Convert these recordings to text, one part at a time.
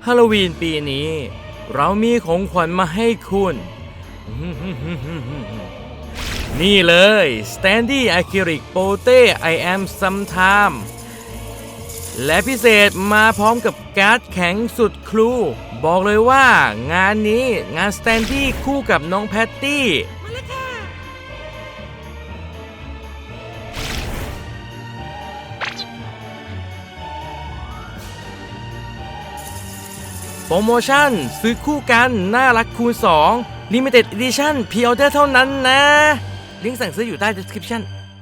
ฮาโลวีนปีนี้เรามีของขวัญมาให้คุณ นี่เลย Standy Acrylic Pote I Am Sometime และพิเศษมาพร้อมกับการ์ดแข็งสุดครูบอกเลยว่างานนี้งาน Standy คู่กับน้องแพตตี้โปรโมชั่นซื้อคู่กันน่ารักคูณ2 Limited Edition Pre-order เท่านั้นนะลิงก์สั่งซื้ออยู่ใต้ description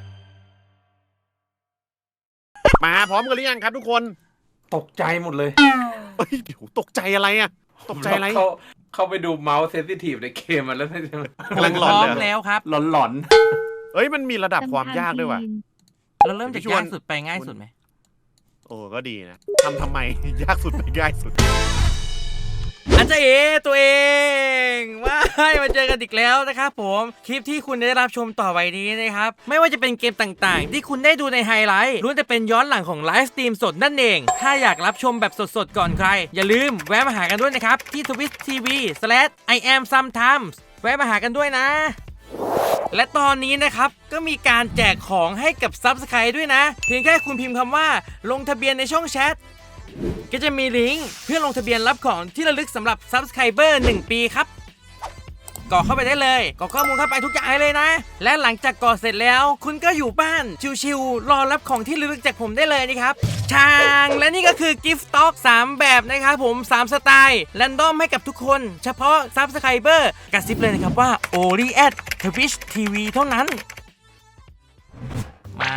มาพร้อมกันหรือยังครับทุกคนตกใจหมดเลยเฮ้ยเดี๋ยวตกใจอะไรอ่ะตกใจอะไรเข้าไปดูเมาส์เซนซิทีฟในเกมมันแล้วกำลังหลอนพร้อเลมยแล้วครับหลอนเอ้ยมันมีระดับความยากด้วยว่ะเราเริ่มจากยากสุดไปง่ายสุดไหมโอ้ก็ดีนะทำไม ยากสุดไปง่ายสุดอันเจเอตัวเองว้ายมาเจอกันอีกแล้วนะครับผมคลิปที่คุณได้รับชมต่อไปนี้นะครับไม่ว่าจะเป็นเกมต่างๆที่คุณได้ดูในไฮไลท์ล้วนแต่เป็นย้อนหลังของไลฟ์สตรีมสดนั่นเองถ้าอยากรับชมแบบสดๆก่อนใครอย่าลืมแวะมาหากันด้วยนะครับที่ twitch.tv/iamsometimes แวะมาหากันด้วยนะและตอนนี้นะครับก็มีการแจกของให้กับ Subscribe ด้วยนะเพียงแค่คุณพิมพ์คำว่าลงทะเบียนในช่องแชทก็จะมีลิงก์เพื่อลงทะเบียนรับของที่ระลึกสำหรับ Subscriber 1 ปีครับกรอกเข้าไปได้เลยกรอกข้อมูลเข้าไปทุกอย่างเลยนะและหลังจากกรอกเสร็จแล้วคุณก็อยู่บ้านชิวๆรอรับของที่ระลึกจากผมได้เลยนะครับช่างและนี่ก็คือ Gift Stock 3 แบบนะครับผม3 สไตล์แรนดอมให้กับทุกคนเฉพาะ Subscriber กระซิบเลยนะครับว่า Only at Twitch TV เท่านั้นมา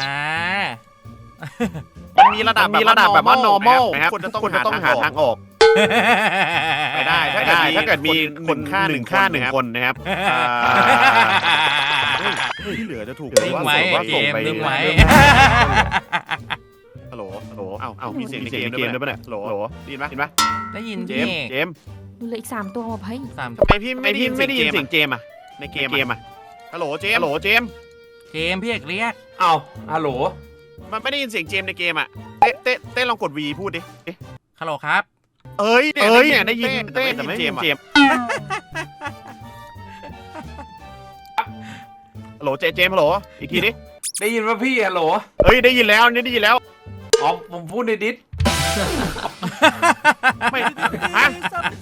มันมีระดับแบบว่า normal นะครับคนจะต้องหาทางออกไปได้ถ้าเกิดมีคนค่าหนึ่งคนนะครับที่เหลือจะถูกนิ่งไว้เกมนิ่งไว้ฮัลโหลเอามีเสียงในเกมด้วยป่ะเนี่ยฮัลโหลได้ยินปะได้ยินเจพี่มส์ดูเลยอีก3 ตัวมาเฮ้ยสามทำไมพี่ไม่ได้ยินเสียงเจมส์อะในเกมอะฮัลโหลเจมส์เกมพี่เอกเรียกๆเอาฮัลโหลมันไม่ได้ยินเสียงเจมส์ในเกมอะเต้ลองกด V พูดดิฮัลโหลครับเนี่ยได้ยินแต่ไม่เจมส์ฮัลโหลเจมส์ฮัลโหลอีกทีดิได้ยินว่าพี่ฮัลโหลเฮ้ยได้ยินแล้วนี่ได้ยินแล้วอ๋อผมพูดในดิสไม่ฮะ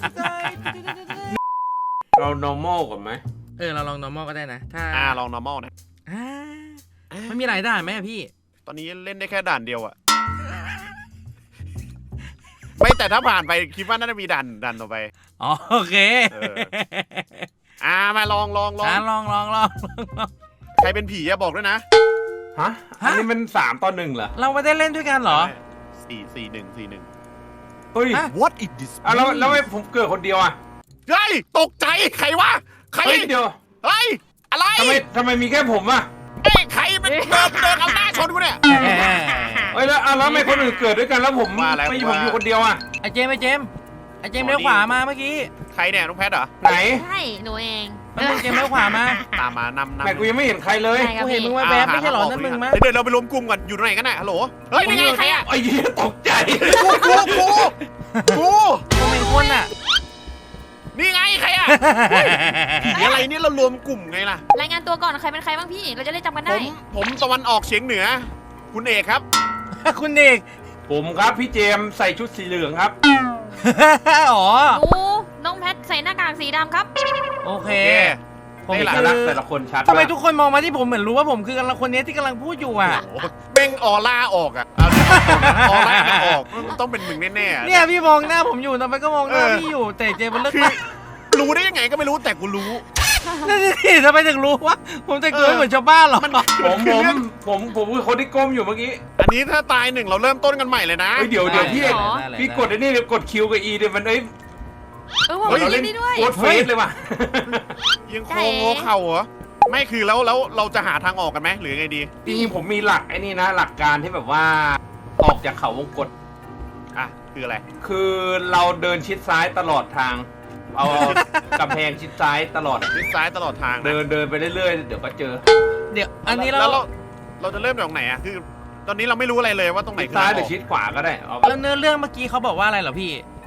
เรา normal ก่อนไหมเราลอง normal ก็ได้นะถ้าลอง normal นะมันมีหลายด่านไหมพี่ตอนนี้เล่นได้แค่ด่านเดียวอะไม่แต่ถ้าผ่านไปคิดว่าน่าจะมีด่านต่อไปอ๋อโอเคมาลองลองใครเป็นผีอะบอกด้วยนะฮะอันนี้มัน3 ต่อ 1เหรอเราไม่ได้เล่นด้วยกันเหรอ 4-1 เฮ้ย What is this แล้วไม่ผมเกิดคนเดียวอ่ะเฮ้ยตกใจใครวะใครเฮ้ยเดียวเฮ้ยอะไรทำไมมีแค่ผมอ่ะใครเป็นเดินเอาหน้าชนกูเนี่ยเฮ้ยแล้วทำไมคนอื่นเกิดด้วยกันแล้วผมไม่ผมอยู่คนเดียวอ่ะไอเจมเลี้ยวขวามาเมื่อกี้ใครเนี่ยน้องแพทเหรอไหนใช่หนูเองแล้วมึงเจมเลี้ยวขวามาตามมานำแม่กูยังไม่เห็นใครเลยกูเห็นมึงแวบๆไม่ใช่หรอนั่นมึงมั้ยเดี๋ยวเราไปรวมกลุ่มก่อนอยู่ตรงไหนกันน่ะฮัลโหลเฮ้ยนี่ไงใครอะไอ้เหี้ยตกใจกูกูเป็นคนอ่ะนี่ไงใครอะผีอะไรเนี่ยเรารวมกลุ่มไงล่ะรายงานตัวก่อนใครเป็นใครบ้างพี่เราจะได้จำกันได้ผมตะวันออกเฉียงเหนือ คุณเอกครับคุณเอกผมครับพี่เจมส์ใส่ชุดสีเหลืองครับอ๋อหนูน้องแพทใส่หน้ากากสีดำครับโอเคผมนี่แหละแต่ละคนชัดทำไมทุกคนมองมาที่ผมเหมือนรู้ว่าผมคือกำลังคนนี้ที่กำลังพูดอยู่อ่ะโอ้โหเบ่งออร่าออกอะออร่าออกต้องเป็นมึงแน่ๆเนี่ยพี่มองหน้าผมอยู่ทำไมก็มองหน้าพี่อยู่แต่เจมันเลิกคือรู้ได้ยังไงก็ไม่รู้แต่กูรู้นั่นสิทำไมถึงรู้วะผมแต่งตัวไม่เหมือนชาวบ้านหรอผมคือคนที่ก้มอยู่เมื่อกี้อันนี้ถ้าตาย1เราเริ่มต้นกันใหม่เลยนะเดี๋ยวพี่กดไอ้นี่เดี๋ยวกดคิวกับอีเดี๋ยวมันผมเราเล่เล่นนได้ด้วยโคตรเฟสเลยว่ะยังโค้งเข่าเหรอไม่คือแล้วเราจะหาทางออกกันไหมหรือไงดีจริงๆผมมีหลักไอ้นี่นะหลักการที่แบบว่าออกจากเขาวงกตคืออะไรคือเราเดินชิดซ้ายตลอดทาง เอากำแพงชิดซ้ายตลอดชิดซ้ายตลอดทางนะเดินไปเรื่อยๆเดี๋ยวก็เจอเดี๋ยวอันนี้แล้วเราจะเริ่มจากตรงไหนอะคือตอนนี้เราไม่รู้อะไรเลยว่าตรงไหนชิดคือซ้ายทางหอรืออกชิดขวาก็ได้เอาแล้วเนื้อเรื่องเมื่อกี้เขาบอกว่าอะไรเหรอพี่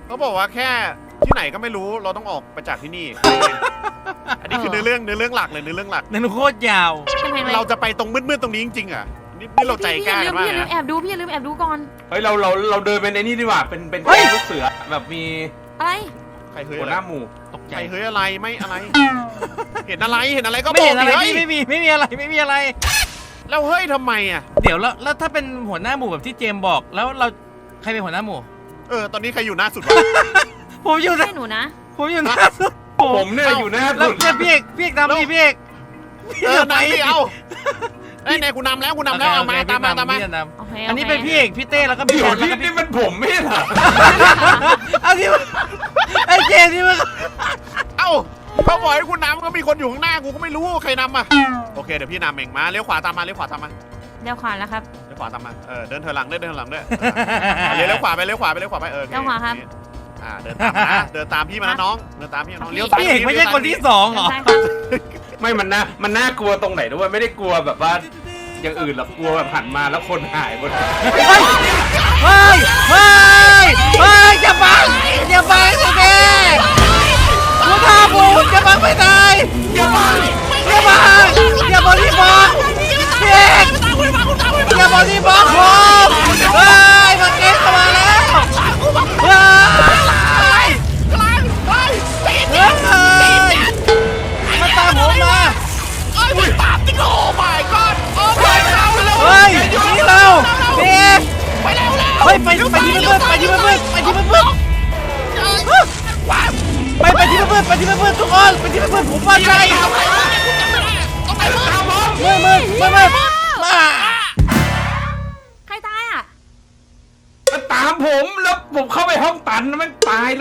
เขาบอกว่าแค่ที่ไหนก็ไม่รู้เราต้องออกไปจากที่นี่ อันนี้คือเนื้อเรื่องหลักเลยเนื้อเรื่องหลักนั่นโคตรยาวกำแพงอะไรเราจะไปตรงมืดๆตรงนี้จริงๆอ่ะนี่เราใจกล้ากันมากพี่อย่าลืมนะแอบดูพี่อย่าลืมแอบดูก่อนเฮ้ยเราเดินเป็นไอ้นี่ดีกว่าเป็นเฮ้ยลูกเสือแบบมีอะไรใครเฮ้ยหัวอะไรหน้าหมู่ตกใจใครเฮ้ยอะไรไม่อะไร เห็นอะไรก็ไม่บอเห็กนอะไรดิเฮ้ยพี่ไม่มีอะไรไม่มีอะไรแล้วเฮ้ยทำไมอ่ะเดี๋ยวแล้วถ้าเป็นหัวหน้าหมู่แบบที่เจมส์บอกแล้วเราใครเป็นหัวหน้าหมู่ตอนนี้ใครอยู่หน้าสุดวะผมอยู่นะให้หนูนะผมอยู่หน้าสุดผมเนี่ยอยู่หน้าแล้วสุดเนี่ยพี่เอกนำดิพี่เอกนายพี่เอาไอ้ยนายกูนำแล้วเอามาตามมาพี่จะนโอเคำอันนี้เป็นพี่เอกพี่เต้แล้วก็พี่เดี๋แพยวนแล้วก็พี่นี่มันผมไม่ใช่เหรอเอาที่ไอ้เจมส์ที่มันเอ้าเขาบอกให้กูนำก็มีคนอยู่ข้างหน้ากูก็ไม่รู้ใครนำอ่ะโอเคเดี๋ยวพี่นำเองมาเลี้ยวขวาตามมาเลี้ยวขวาตามมาเดี๋ยวขวาแล้วครับเลี้ยวขวาตามมาเดินเถอยหลังด้วยเลี้ยวขวาไปเลี้ยวขวาไปโอเคเลี้ยวขวาครับเดินตามนะเดินตามพี่มานะน้องเดินตามพี่มาน้องเลี้ยวซ้ายพี่เอกไม่ใช่คนที่สองเหรอใช่ครับไม่มันน่ากลัวตรงไหนด้วยไม่ได้กลัวแบบว่าอย่างอื่นหรอกกลัวแบบหันมาแล้วคนหายหมดเฮ้ยอย่าบังสิเด้กูท่าบูอย่าบังไม่ได้อย่าบังอย่าบอดี้บล็อกพี่เอกอย่าบอดี้บล็อกผมเฮ้ยมาเก็ตเข้ามาแล้วเฮ้ยมันตามผมมา เฮ้ยนี่เราพี่เอกเฮ้ยไปที่เพื่อนไปที่เพื่อนทุกคนไปที่เพื่อนผมว่าใจมือมาใครตายอ่ะมันตามผมแล้วผมเข้าไปห้องตันแล้วมันตายเลย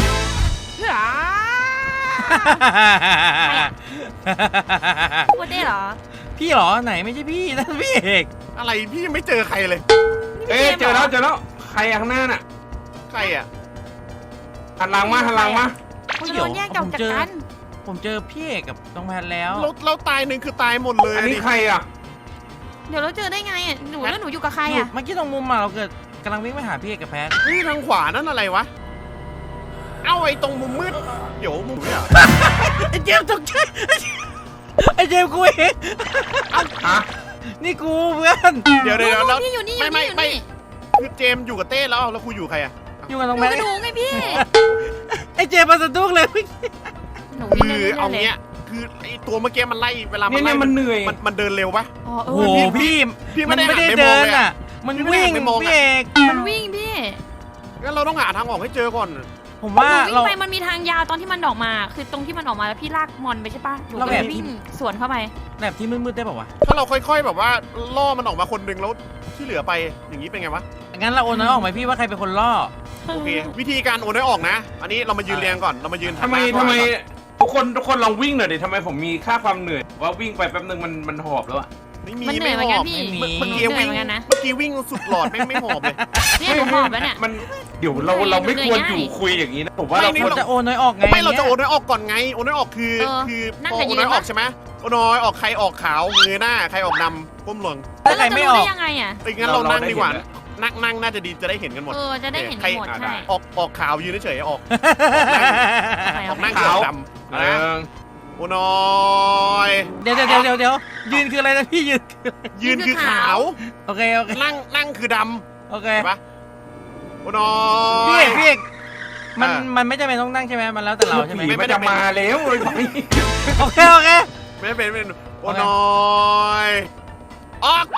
พูดได้เหรอพี่เหรอไหนไม่ใช่พี่นั่นพี่เอกอะไรพี่ยังไม่เจอใครเลยเอ๊ะเจอแล้วใครข้างหน้าน่ะใครอ่ะหันหลังมาคุณโดนแยกจากกันผมเจอพี่เอกกับน้องแพทแล้วเราตายหนึ่งคือตายหมดเลยอันนี้ใครอ่ะเดี๋ยวเราเจอได้ไงอ่ะหนูแล้วหนูอยู่กับใครอ่ะเมื่อกี้ตรงมุมมาเราเกิดกำลังวิ่งไปหาพี่เอกกับแพทนี่ทางขวานั่นอะไรวะเอ้าไอ้ตรงมุมมืดเดี๋ยวมุมเนี่ยไอ้เจมส์ตกใจไอ้เจมส์กูเองฮะนี่กูเพื่อนเดี๋ยวแล้วพี่อยู่นี่ไม่คือเจมส์อยู่กับเต้แล้วคุยอยู่ใครอ่ะอยู่กับน้องหแพนูทกับหนูไงพี่ไอ้เจมส์มาสะดุ้งเลยหนูคือเอาเงี้ยคือไอ้ตัวเมื่อกี้มันไล่เวลามันไล่มันเหนื่อยมันเดินเร็วปะอ๋อโอ้โหพี่พี่มันไม่ไม่ได้ได้เดิเดินนอ่ะอ่ะมันวิ่งพี่เอกมันวิ่งพี่งั้นเราต้องหาทางออกให้เจอก่อนผมหว่านูวิ่เรางไปมันมีทางยาวตอนที่มันออกมา คือตรงที่มันออกมาแล้วพี่ลากมอนไปใช่ปะหนูก็เลยวิ่งสวนเข้าไปแบบที่มืดๆได้ป่าวะถ้าเราค่อยๆแบบว่าล่อมันออกมาคนหนึ่งแล้วที่เหลือไปอย่างนี้เป็นไงวะงั้นเราโอนน้อยออกไหมพี่ว่าใครเป็นคนล่อโอเควิธีการโอนได้ออกนะ อันนี้เรามายืนเรียงก่อนเรามายืนทำไมก่อนทุกคนลองวิ่งหน่อยดิทำไมผมมีค่าความเหนื่อยว่าวิ่งไปแป๊บนึงมันหอบแล้วอะไม่มีมันเหนื่ไม่อยเหมือนหกัอน บพี่ไม่มีเมื่อกี้วิ่งเหนื่อยเหมือนกันนะเมื่อกี้วิ่งสุดหลอดไม่หอบเลยเนี่ยหนูหอบแล้วเนี่ยมันเดี๋ยวเราไม่ควรอยู่คุยอย่างนี้นะผมว่าเราเราจะโอนน้อยออกไงไม่เราจะโอนได้ออกก่อนไงโอนได้ออกคือพอโอนได้ออกใช่ไหมโอนน้อยออกใครออกขาวเงยหน้าใครออกดำก้มลงถ้าใครเราจะไม่รู้ออได้กยังไงอ่ะงั้นเรานั่งดีกว่านั่งน่าจะดีจะได้เห็นกันหมดจะได้เห็นหมดใช่ออกขาวยืนเฉยๆออกนั่งขาวดำนะโอนน้อยเดี๋ยวยืนคืออะไรนะพี่ยืนคือขาวโอเคนั่งคือดโอเคำเห็นปะโอนน้อพี่ยเอกมันไม่จำเป็นต้องนั่งใช่ไหมมันแล้วแต่เราใช่ไหมผีมันจะมาแล้วเลยโอเคไม่เป็นโอนน้อยออก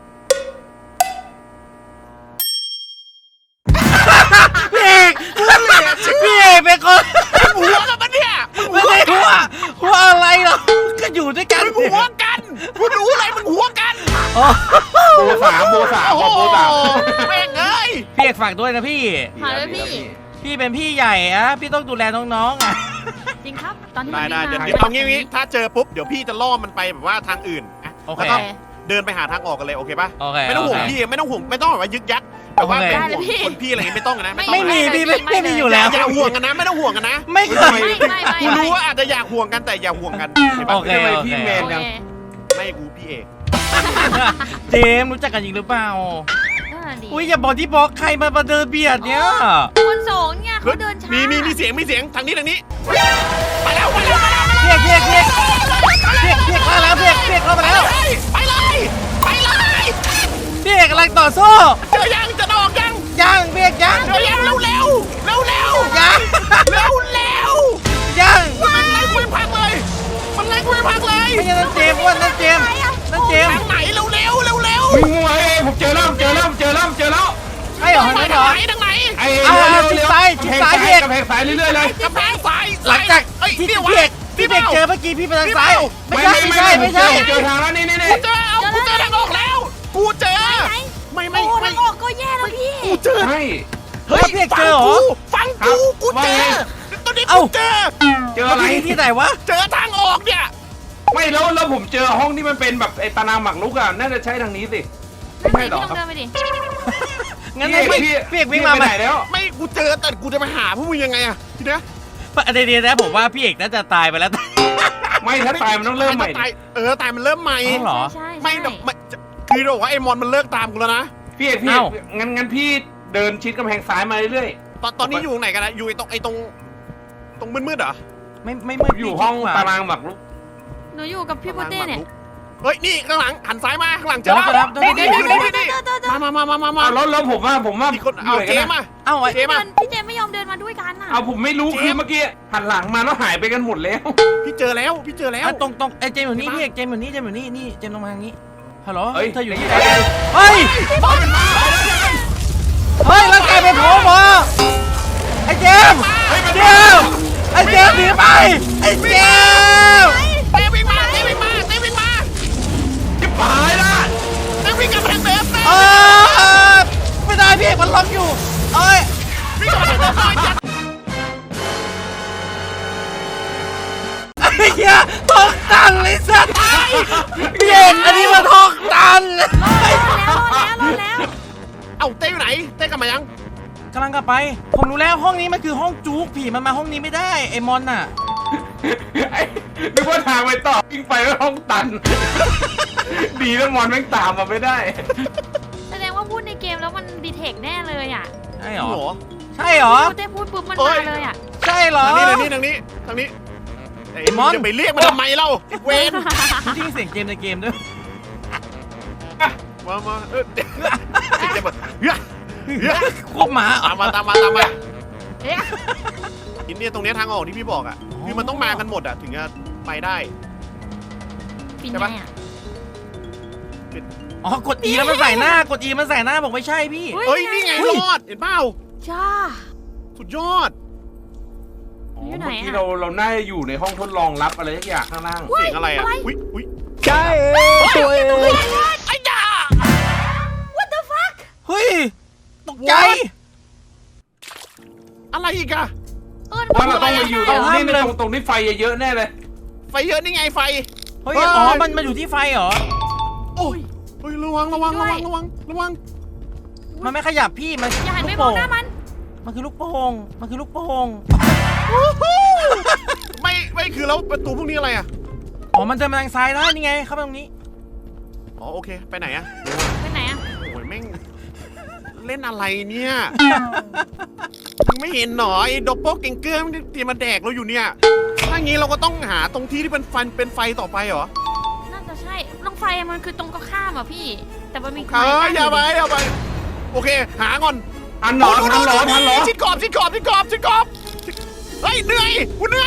พี่เอกเป็นคนหัวกันปะเนี่ยไม่ได้หัวอะไรหรอกก็อยู่ด้วยกันมึงหัวกันคุณรู้อะไรมึงหัวกันโบสามโอ้โหแม่งเอ้ยพี่เอกฝากด้วยนะพี่หาเลยพี่พี่เป็นพี่ใหญ่อะพี่ต้องดูแลน้องๆอะจริงครับตอนที่ได้มันเดี๋ยววิ่งเอางี้ถ้าเจอปุ๊บเดี๋ยวพี่จะล่อมันไปแบบว่าทางอื่นโอเคแล้วก็เดินไปหาทางออกกันเลยโอเคปะโอเคไม่ต้องห่วงพี่ไม่ต้องแบบว่ายึกยักแบบว่าเป็นห่วงคนพี่อะไรอย่างงี้ไม่ต้องนะไม่มีพี่ไม่มีอยู่แล้วอย่าห่วงกันนะไม่ต้องห่วงกันนะไม่เคยไม่กูรู้ว่าอาจจะอยากห่วงกันแต่อย่าห่วงกันโอเคทำไมพี่แมนยังไม่กูพี่เอกเจมส์รู้จักกันจริงหรือเปล่าเน่ะดิอุ้ยอย่าบอกที่บอกใครมาเดินเบียดเนี่ยคนสองเนี่ยเขาเดินช้ามีเสียงทางนี้ไปแล้วเพียกเข้าแล้วเพียกเข้ามาแล้วไปเลยเพียกกำลังต่อสู้เจอยังจะออกยังยังเพียกยังเจอยังเร็วยัง ยังมันไล่กูไปพักเลยไม่ใช่นั่นเจมส์ว่านั่นเจมส์ทางไหนเร็ววิ่งงัวเองผมเจอแล้วใช่เหรอนั่นเหรอทางไหนไอ้ชิดซ้ายเพียกกำแพงซ้ายเรื่อยๆเลยกำแพงซ้ายหลังจากที่เพียกเจอเมื่อกี้พี่ไปทางซ้ายไม่ใช่เจอทางแล้วนี่กูเจอทางออกแล้วกูเจอไม่โอ้ทางออกก็แย่แล้วพี่กูเจอใช่เฮ้ยเพียกเจอเหรอฟังกูเจอตอนนี้เอ้ากูเจอเจออะไรที่ไหนวะเจอทางออกเนี่ยไม่แล้วผมเจอห้องที่มันเป็นแบบไอ้ตารางหมากรุกอ่ะน่าจะใช่ทางนี้สิไม่ใช่พี่หรอต้องเดินไปดิงั้นให้เพียกวิ่งมาไหนแล้วไม่กูเจอแต่กูจะไปหาพวกมึงยังไงอะทีเนี้ยเดี๋ยวนะผมว่าพี่เอกน่าจะตายไปแล้วไม่ถ้าตายมันต้องเริ่มใหม่ตายตายมันเริ่มใหม่อ๋อเหรอใช่ไม่คือบอกว่าไอ้มอนมันเลิกตามกูแล้วนะพี่เอกงั้นพี่เดินชิดกำแพงซ้ายมาเรื่อยตอนนี้อยู่ไหนกันนะอยู่ตรงมืดๆเหรอไม่มืดๆอยู่ห้องตารางหมากรุกหนูอยู่กับพี่โปเต้เนี่ยเฮ้ยนี่ข้างหลังหันซ้ายมาข้างหลังเจเดี๋ยวอรับนี่เจอมาแล้วผมว่ามีคนเอาเจมาเอ้าไอ้เจมาพี่เจมไม่ยอมเดินมาด้วยกันน่ะเอาผมไม่รู้คือเมื่อกี้หันหลังมาแล้วหายไปกันหมดแล้วพี่เจอแล้วตรงไอ้เจมส์อยู่นี่พี่เอกเจมส์อยู่นี่นี่เจมส์ลงมาทางนี้ฮัลโหลเฮ้ยเธออยู่ที่ไหไหนนเฮ้ยแล้วกลายเป็นผมเหรอไอ้เจมส์ไอ้เจมส์หนีไปไอ้เจมส์เต้วิ่งมาจะตายละเต้วิ่งกลับไปทางเดิมไม่ได้พี่เอกมันล็อกอยู่เอ้ยวิ่งกลับไปทางเดิมไอ้เหี้ยทอกตันเลยสัตว์พี่เอกอันนี้มันทอกตันรอแล้วเอ้าเต้อยู่ไหนเต้กลับมายังกำลังกลับไปผมรู้แล้วห้องนี้มันคือห้องจุกผีมันมาห้องนี้ไม่ได้ไอ้มอนน่ะนึกว่าทางไปต่อวิ่งไปแล้วห้องตัน ดีแล้วมอนแม่งตามมาไม่ได้แสดงว่าพูดในเกมแล้วมันดีเทคแน่เลยอ่ะใช่เหรอโอ้โหใช่เหรอพี่โปเต้พูดปุ๊บมันมาเลยอ่ะใช่เหรอทางนี้ไอ้มอนจะไปเรียกมันทำไมเล่าเวนจริงเสียงเกมในเกมด้วยมาเดี๋ยวควบหมาตามมาเอ๊ะอินเดียตรงนี้ทางออกที่พี่บอกอ่ะคือมันต้องมากันหมดอ่ะถึงจะไปได้ปีนไงอ่ะอ๋อกด E แล้วมันใส่หน้ากด E มันใส่หน้าบอกไม่ใช่พี่เฮ้ยนี่ไงรอดเห็นเปล่าจ้าสุดยอดอยู่ไหนเมื่อกี้อ่ะเราน่าจะอยู่ในห้องทดลองลับอะไรสักอย่างข้างล่างเสียงอะไรอ่ะอุ้ยใช่ตัวเองไอ้จ่า What the fuck เฮ้ยตกใจอะไรอีกอะว่าเราต้องไปอยู่ตรงนี้เลยตรงที่ไฟเยอะๆแน่เลยไฟเยอะนี่ไงไฟเฮ้ยอ๋อมันอยู่ที่ไฟเหรอโอ้ยระวังมันไม่ขยับพี่มันอย่าหันไปลูกมองโป่งหน้ามันมันคือลูกโป่งมันคือลูกโป่งไม่คือแล้วประตูพวกนี้อะไรอ่ะอ๋อมันจะมาทางซ้ายได้นี่ไงเข้าไปตรงนี้อ๋อโอเคไปไหนอะไปไหนอ่ะโอ้ยแม่งเล่นอะไรเนี่ยมึงไม่เห็นหนอไอ้ดอปโปเก่งเกอร์มันเตรียมมาแดกเราอยู่เนี่ยถ้างี้เราก็ต้องหาตรงที่ที่เป็นไฟต่อไปเหรอน่าจะใช่ตรงไฟมันคือตรงก็ข้ามอ่ะพี่ แต่มันมีอย่าไปโอเคหาก่อนทันหรอชิดขอบเฮ้ยเหนื่อยกูเหนื่อย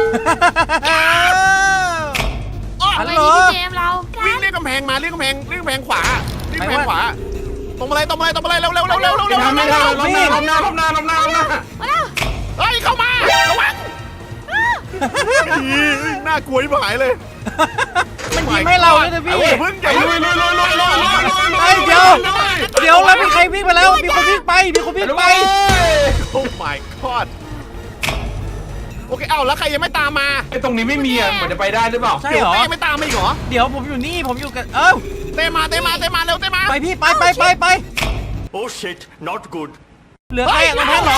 เอาไปที่พี่เจมเราวิ่งเรียกกำแพงมาเรียกกำแพงขวาตรงมาเลยเร็วไม่ทันล้มหน้าเฮ้ยเข้ามาระวังน่ากลัวที่หายเลยมันยิงให้เราเลยนะพี่พึ่งอย่าลุยเดี๋ยวแล้วมีใครวิ่งไปแล้วมีคนวิ่งไปโอ้ my god โอเคเอ้าแล้วใครยังไม่ตามมาไอ้ตรงนี้ไม่มีอ่ะมันจะไปได้หรือเปล่าใช่เหรอเต้ไม่ตามมาอีกเหรอเดี๋ยวผมอยู่นี่ผมอยู่กันเต้มาเร็วเต้มาไปพี่ไป Oh shit, not good. เหลือใครตรงนั้นเหรอ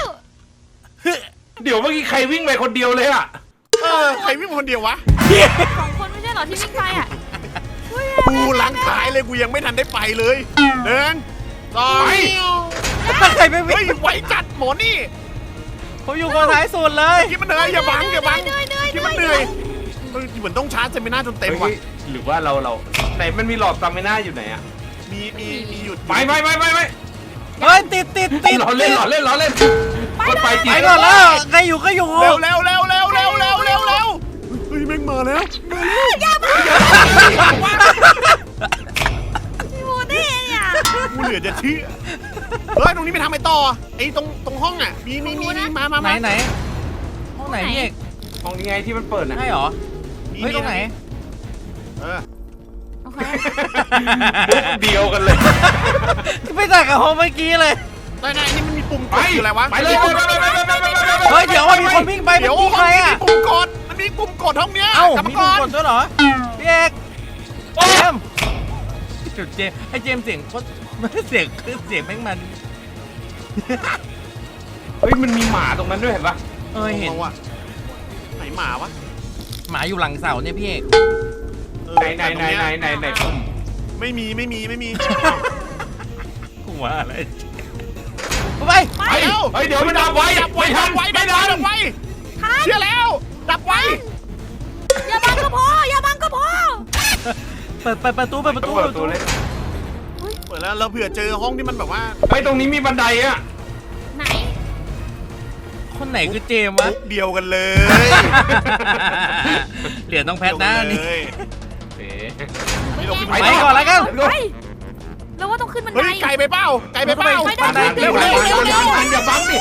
เดี๋ยวเมื่อกี้ใครวิ่งไปคนเดียวเลยอ่ะใครวิ่งคนเดียววะ 2 คนไม่ใช่เหรอที่วิ่งไปอ่ะกูหลังท้ายเลยกูยังไม่ทันได้ไปเลยเดินสองใครไม่วิ่เฮ้ยงไวจัดหมอนี่ผมอยู่คนท้ายสุดเลยคิดมันเหนื่อยอย่าบังคิดมันเหนื่อยเหมือนต้องชาร์จเซมิน่าจนเต็มว่ะเฮ้ยหรือว่าเราไหนมันมีหลอดสตามิน่าอยู่ไหนอะมีหยุดไม่เฮ้ยติดล้อเล่นมันไปจริงไปก่อนแล้วใครอยู่ก็อยู่เร็วเฮ้ยแม่งมาแล้วพี่บูเต้เนี่ยกูเหลือจะเชื่อเฮ้ยตรงนี้ไปทำไมต่อไอ้ตรงห้องอ่ะมีมาไหนห้องไหนพี่เอกห้องนี้ไงที่มันเปิดนะใช่หรอเฮ้ยตรงไหนเออโอเคมุกเดียวกันเลยไม่ต่างกับห้องเมื่อกี้เลยไหนนี่มันมีปุ่มกดอยู่อะไรวะไปเลยเฮ้ยเดี๋ยวมีคนวิ่งไปเดี๋ยวเมื่อกี้ใครอ่ะมีปุ่มกดมันมีปุ่มกดห้องเนี้ยเอ้ากรรมมีกปุ่มรกดด้วยเหรอพี่เอกเจมส์จุดเจมส์ไอ้เจมส์เสียงโคตรเสียงแม่งมันเฮ้ยมันมีหมาตรงนั้นด้วยเห็นปะเห็นว่ะไหนหมาวะหมาอยู่หลังเสาเนี่ยพี่เอกไหนปุ่มไม่มีหัวอะไรไปไปแล้วเฮ้ยเดี๋ยวมันดับไว้ดับไว้ดับไว้เชื่อแล้วดับไว้อย่าบังก็พออย่าบังก็พอเปิดประตูเปิดประตูเลยเปิดแล้วเราเผื่อเจอห้องที่มันแบบว่าเฮ้ยตรงนี้มีบันไดอะไหนคนไหนคือเจมส์วะมุกเดียวกันเลยเหรียญต้องแพทนะนี่เอ๋ไปก่อนแล้วกันไปแล้วว่าต้องขึ้นบันไดเฮ้ยไกลไปเป้าไม่ได้เร็วอย่าบังดิ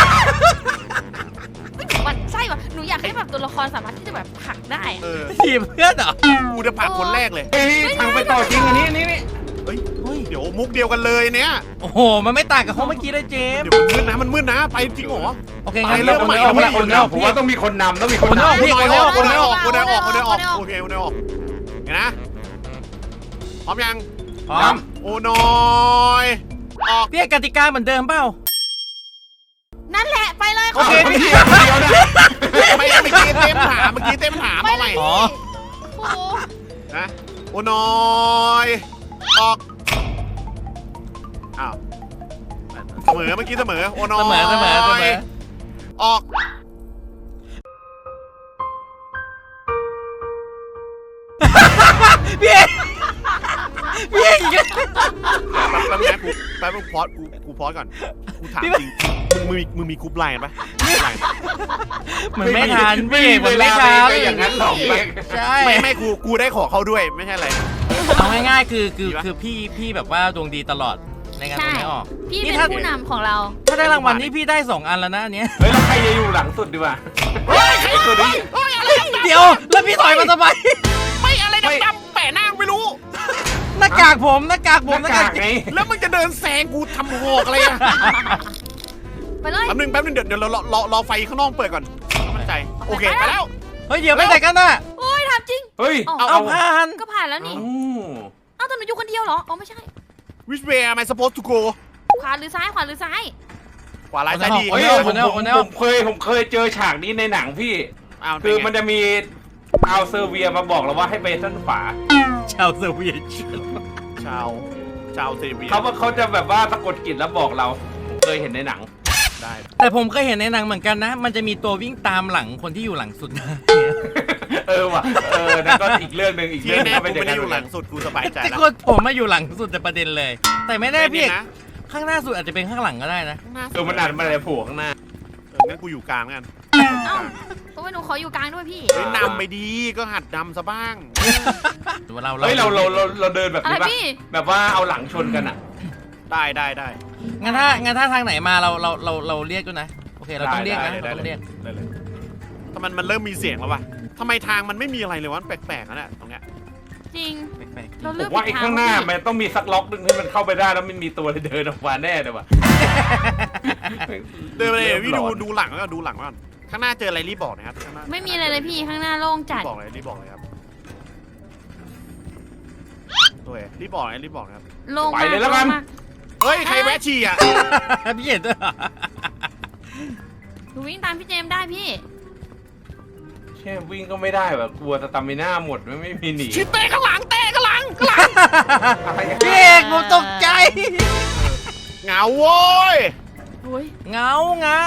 มันใช่ป่ะหนูอยากให้แบบตัวละครสามารถที่จะแบบผลักได้ทีมเพื่อนเหรอกูจะผลักคนแรกเลยเฮ้ยทางไปต่อจริงอันนี้นี่เฮ้ยเดี๋ยวมุกเดียวกันเลยเนี่ยโอ้โหมันไม่ต่างกับห้องเมื่อกี้เลยเจมส์เดี๋ยวมันมืดนะไปจริงเหรอโอเคงั้นไปเริ่มใหม่ออกเริ่มใหม่คนเดียวผมว่าต้องมีคนนำต้องมีคนนำพี่คนได้ออกคนได้ออกโอเคเห็นนะพร้อมยังพร้อมโอ้น้อยออกพี่กติกาเหมือนเดิมเปล่านั่นแหละไปเลยโอเคเดียวนะไม่เมื่อกี้เต็มถามเอาใหม่อ๋อโอ้โหนะโอ้น้อยออกอ้าวเสมอเมื่อกี้เสมอโอ้น้อยเสมอออกพี่เอกพี่เอกอีกแล้วแป๊บนะแป๊บพอดกูพอดก่อนกูถามจริงมึงมีกรุ๊ปไลน์ปะเหมือนไม่ทันพี่เอกเหมือนไม่ทันไม่อย่างนั้นหรอกใช่ไม่กูได้ขอเขาด้วยไม่ใช่อะไรเอาง่ายๆคือดีปะพี่แบบว่าดวงดีตลอดในการใช่ตัวไม่ออกพี่นี่เป็นถ้าผู้นำของเราถ้าได้รางวัลนี่พี่ได้2 อันแล้วนะอันเนี้ยเฮ้ยแล้วใครจะอยู่หลังสุดดีวะไอ้ตัวนี้อะไรเดี๋ยวแล้วพี่ถอยมาทำไมไม่อะไรดำๆแปะหน้าไม่รู้หน้ากากผมหน้ากากหน้ากากไงแล้วมึงจะเดินแซงกูทำหอกอะไรอะไปเลยแป๊บนึงเดี๋ยวรอไฟข้างนอกเปิดก่อนมั่นใจโอเคไปแล้วเฮ้ยเดี๋ยวไปไหนกันน่ะโอ้ยถามจริงเฮ้ยเอาผ่านก็ผ่านแล้วนี่เอ้าแต่หนูอยู่คนเดียวเหรออ๋อไม่ใช่ Which way am I supposed to go ขวาหรือซ้ายขวาหรือซ้ายขวาร้ายซ้ายดีเฮ้ยผมเคยเจอฉากนี้ในหนังพี่ คือมันจะมีเอาเซอร์เวียมาบอกเราว่าให้ไปด้านขวาชาวเซเวียตชาวเซเวียเขาจะแบบว่าสะกดจิตแล้วบอกเราผมเคยเห็นในหนังได้แต่ผมเคยเห็นในหนังเหมือนกันนะ มันจะมีตัววิ่งตามหลังคนที่อยู่หลังสุดนะว่ะนั่นก็อีกเรื่องหนึ่งอีกที่เรื่องหนึแน่งกูไม่ได้อยู่หลังสุดกูสบายใจแต่แล้วคนผมมาอยู่หลังสุดแต่ประเด็นเลย แต่ไม่แน่พี่เอกนะข้างหน้าสุดอาจจะเป็นข้างหลังก็ได้นะมันอาจมันอะไรโผล่ข้างหน้างั้นกูอยู่กลางกันเอ้าตัวหนูขออยู่กลางด้วยพี่นำไปดีก็หัดดำซะบ้างเฮ้ยเราเดินแบบอะไรนี้ป่ะพี่แบบว่าเอาหลังชนกันอ่ะได้งั้นถ้าทางไหนมาเราเรียกด้วยนะโอเคเราต้องเรียกนะเราต้องเรียกได้เลยถ้ามันเริ่มมีเสียงแล้ววะทำไมทางมันไม่มีอะไรเลยวะแปลกๆนะเนี่ยตรงเนี้ยจริงแปลกเราผเลือกมว่าไอ้ผิดทข้างหน้าพี่มันต้องมีสักล็อกหนึงที่มันเข้าไปได้แล้วมันมีตัวเดินออกมาแน่เลยว่ะเดินไปเลยพี่ดูหลังแล้วดูหลังก่อนข้างหน้าเจออะไรรีบบอกนะครับข้างหน้าไม่มีอะไรเลยพี่ข้างหน้าโล่งจัดรีบบอกเลยครับตัวเองรีบบอกนะครับโล่งไปมากเลยแล้วกันโงมากเฮ้ยใครแวะฉี่อ่ะๆพี่เห็นด้วยเหรอหนูวิ่งตามพี่เจมส์ได้พี่แค่วิ่งก็ไม่ได้แบบกลัวสตามิน่าหมดไม่มีหนีชิเต้ข้างหลังอะไรกันพี่เอกผมตกใจเหงาโว้ยโอ้ยเงาไง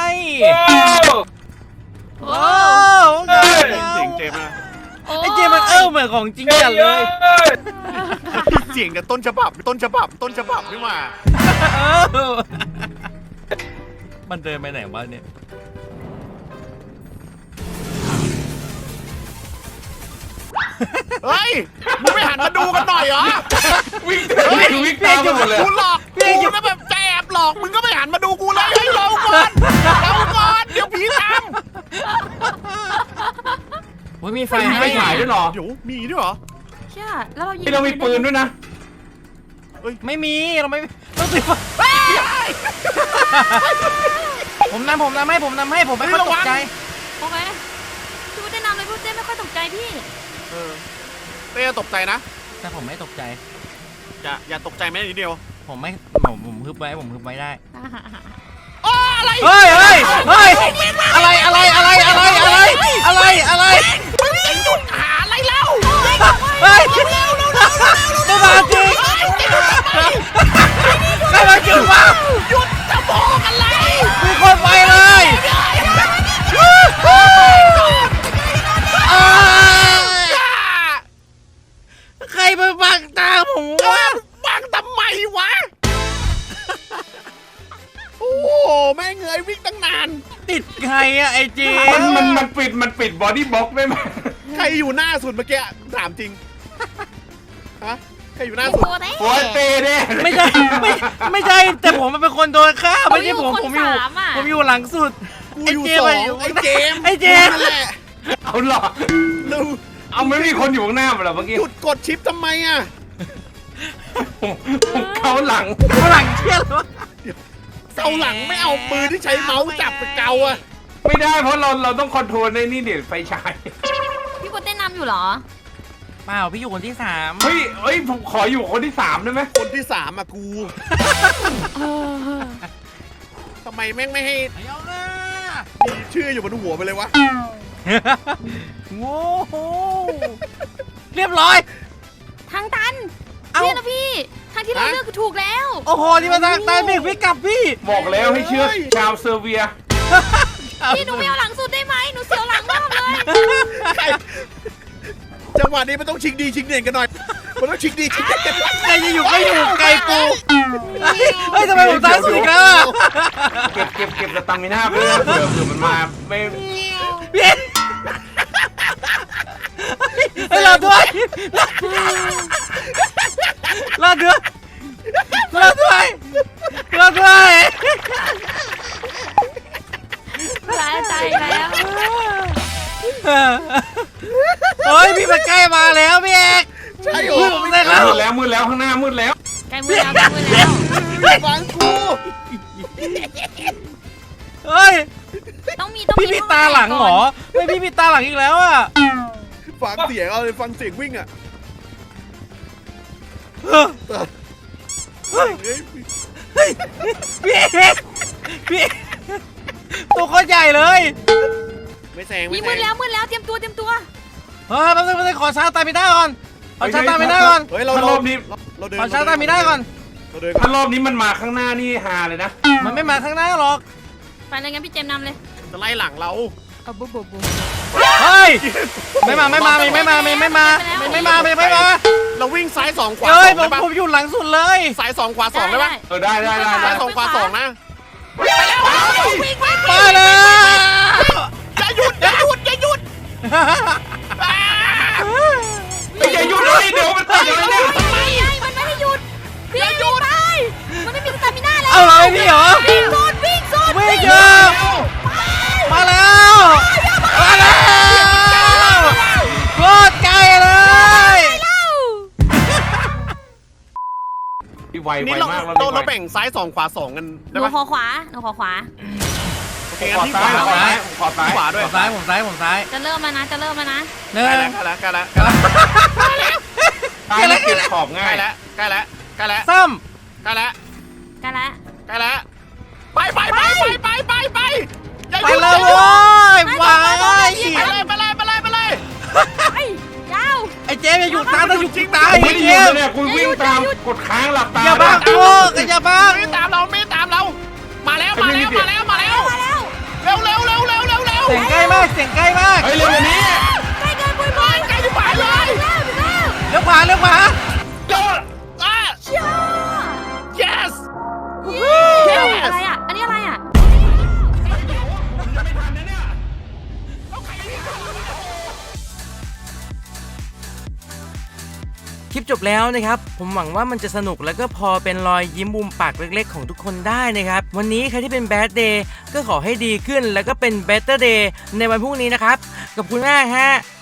โอ้โอ้เงาเสียงเจมส์นะไอ้เจมันเหมือนของจริงจัดเลยเสียงกับต้นฉบับนี่หว่าเออมันเดินไปไหนวะเนี่ยเฮ้ยมึงไม่หันมาดูกันหน่อยเหรอวิ่งวิ่งตามไปหมดเลยกูหลอกกูนะแบบแอบหลอกมึงก็ไม่หันมาดูกูเลยให้เราก่อนเดี๋ยวผีตามโอ้ยมีไฟไม่ให้ฉายด้วยเหรอเดี๋ยวมีด้วยเหรอเชี่ยแล้วเรายิงที่เรามีปืนด้วยนะไม่มีเราไม่ต้องติดไฟผมนำให้ผมไม่ค่อยตกใจโอเคพี่พูดได้นำเลยพี่พูดได้ไม่ค่อยตกใจพี่เต้ตกใจนะแต่ผมไม่ตกใจอย่าตกใจแม้นิดเดียวผมฮึบไว้ได้อ๋ออะไรเฮ้ยอะไรมึงจะหยุดหาอะไรเล่าเฮ้ยไม่มาจริงใครมาจุดวะหยุดจะบอกอะไรมีคนไปเลยใครมาบังตาผมวะบังทำไมวะโอ้แม่เงยวิ่งตั้งนานติดใครอะไอเจมันปิดบอดี้บล็อกได้ไหมใครอยู่หน้าสุดเมื่อกี้ถามจริงฮะใครอยู่หน้าสุดโอ้ยโอ้ยเต้เนี่ยไม่ใช่แต่ผมมันเป็นคนโดนฆ่าไม่ใช่ผมอยู่หลังสุดกูอยู่สองไอ้เจมส์ไอ้เจมส์นั่นแหละเอาหรอเร็วเอาไม่มีคนอยู่ข้างหน้าเหรอเมื่อกี้หยุดกดชิปทำไมอ่ะผมเขาหลังหลังเชี่ยหรอเกาหลังไม่เอาปืนที่ใช้เมาส์จับไปเกาอ่ะไม่ได้เพราะเราต้องคอนโทรลในนี่เดี๋ยวไฟฉายพี่พูดได้นำอยู่เหรอเปล่าพี่อยู่คนที่ 3 เฮ้ยผมขออยู่คนที่3ได้ไหมคนที่สามอ่ะกูทำไมแม่งไม่ให้เอาหน้ามีชื่ออยู่บนหัวไปเลยวะโง่เรียบร้อยทางตันเอ้าเนี่ยนะพี่ ทางที่เราเลือกคือถูกแล้วโอ้โหนี่มาทางตายเมฆพี่กลับพี่บอกแล้วให้เชื่อชาวเซอร์เบียพี่หนูไม่เอาหลังสุดได้ไหมหนูเสียวหลังมากเลยใครจังหวะนี้มันต้องชิงดีชิงเด่นกันหน่อยมันต้องชิงดีชิงเด่นกันใครจะอยู่ก็อยู่ไกลปูเฮ้ยทำไมผมตายสุดอีกแล้วอะเก็บสตามิน่าไปเลยนะเผื่อมันมาไม่พี่ให้เราด้วยเราด้วยตายใจแล้วเฮ้ยพี่มันใกล้มาแล้วพี่เอกใช่โหผมได้แล้วมืดแล้วข้างหน้ามืดแล้วใกล้มือแล้วใกล้มือแล้วฟังกูเฮ้ยต้องมีพี่มีตาหลังเหรอไม่พี่มีตาหลังอีกแล้วอ่ะฟังเสียงเอาเลยฟังเสียงวิ่งอ่ะเฮ้ยพี่เอกตัวโคตรใหญ่เลยไม่แซงมีไม่แซมือง แล้วเตรียมตัวเฮ้ยแป๊บนึงขอชาร์จตามิน่าก่อนขอชาร์จตามิน่าก่อนเฮ้ยถ้ารอบนี้เราเดินขอชาร์จตามิน่าก่อนเราเดินถ้ารอบนี้มันมาข้างหน้านี่ฮาเลยนะมันไม่มาข้างหน้าหรอกไปเลยงั้นพี่เจมส์นำเลยจะไล่หลังเราเอาบุ๊บเฮ้ยไม่มาเราวิ่งซ้ายสองขวาเฮ้สยองได้ปะผมอยู่หลังสุดเลยซ้ายสองขวาสองได้ปะได้ซ้ายสองขวาสองนะมาแล้วอย่าหยุดอย่าหยุดเลยเดี๋ยวมันตายเลยเนี่ยไม่มันไม่ให้หยุดพี่หยุดไปมันไม่มีสตามิน่าแล้วเอาเลยพี่เหรอวิ่งสุดวิ่งเยอะมาแล้วโคตรไกลเลยพี่ไวนี่เรามากแล้วเราแบ่งซ้ายสองขวาสองกันหได้นูปะขอขวาโอเคงั้นที่ซ้ายขวาขวาซ้ายขวาด้วยผมซ้ายจะเริ่มแล้วนะเนื้อใกล้แล้วใกล้แล้วซ้ายมันเก็บขอบใกง่าล้ยแล้วใกล้แล้วใกล้แล้วซ้ใกล้แล้วกันละใกล้แล้วไปอย่าำไปหยุดเลยโว้ยไปไปเลยไปยาวไอ้เจมส์อย่าหยุดตามต้องหยุดจริงตายไอ้เจมเนี่ยคุณวิ่งตามกดค้างหลับตาอย่าบังโอ้ก็อย่าบังไม่ตามเราไม่ตามเรา มาแล้วมาแล้วมาแล้วมาแล้วมาแล้วเร็วเร็วเร็วเร็วเร็วเร็วเสียงใกล้มากเสียงใกล้มากเฮ้ยเร็วกว่านี้ใกล้เกินปุยบอยใกล้จะไปเลยเลี้ยวขวาเลี้ยวขวาโดนอ่ะเชี่ย yes อะไรอ่ะ อันนี้อะไรอ่ะคลิปจบแล้วนะครับผมหวังว่ามันจะสนุกแล้วก็พอเป็นรอยยิ้มมุมปากเล็กๆของทุกคนได้นะครับวันนี้ใครที่เป็น Bad Day ก็ขอให้ดีขึ้นแล้วก็เป็น Better Day ในวันพรุ่งนี้นะครับขอบคุณมากฮะ